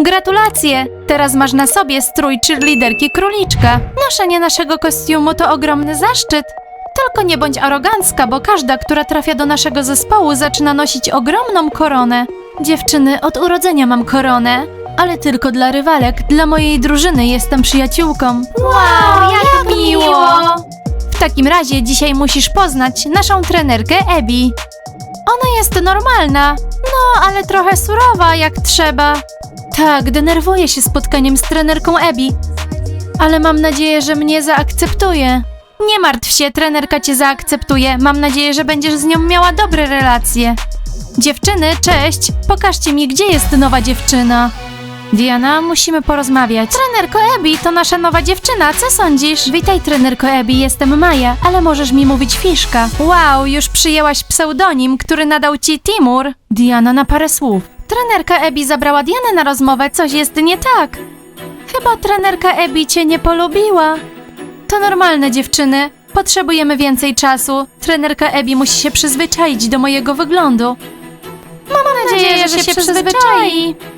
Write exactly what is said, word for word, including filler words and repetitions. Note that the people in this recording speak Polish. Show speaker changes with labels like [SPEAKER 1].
[SPEAKER 1] Gratulacje! Teraz masz na sobie strój cheerleaderki króliczka. Noszenie naszego kostiumu to ogromny zaszczyt. Tylko nie bądź arogancka, bo każda, która trafia do naszego zespołu, zaczyna nosić ogromną koronę. Dziewczyny, od urodzenia mam koronę, ale tylko dla rywalek. Dla mojej drużyny jestem przyjaciółką.
[SPEAKER 2] Wow, jak miło!
[SPEAKER 1] W takim razie dzisiaj musisz poznać naszą trenerkę Abby. Ona jest normalna, no ale trochę surowa jak trzeba. Tak, denerwuję się spotkaniem z trenerką Abby, ale mam nadzieję, że mnie zaakceptuje. Nie martw się, trenerka cię zaakceptuje. Mam nadzieję, że będziesz z nią miała dobre relacje. Dziewczyny, cześć! Pokażcie mi, gdzie jest nowa dziewczyna. Diana, musimy porozmawiać. Trenerko Abby, to nasza nowa dziewczyna, co sądzisz? Witaj, trenerko Abby, jestem Maja, ale możesz mi mówić Fiszka. Wow, już przyjęłaś pseudonim, który nadał ci Timur. Diana, na parę słów. Trenerka Abby zabrała Dianę na rozmowę, coś jest nie tak. Chyba trenerka Abby cię nie polubiła. To normalne, dziewczyny. Potrzebujemy więcej czasu. Trenerka Abby musi się przyzwyczaić do mojego wyglądu. Mam nadzieję, że się przyzwyczai.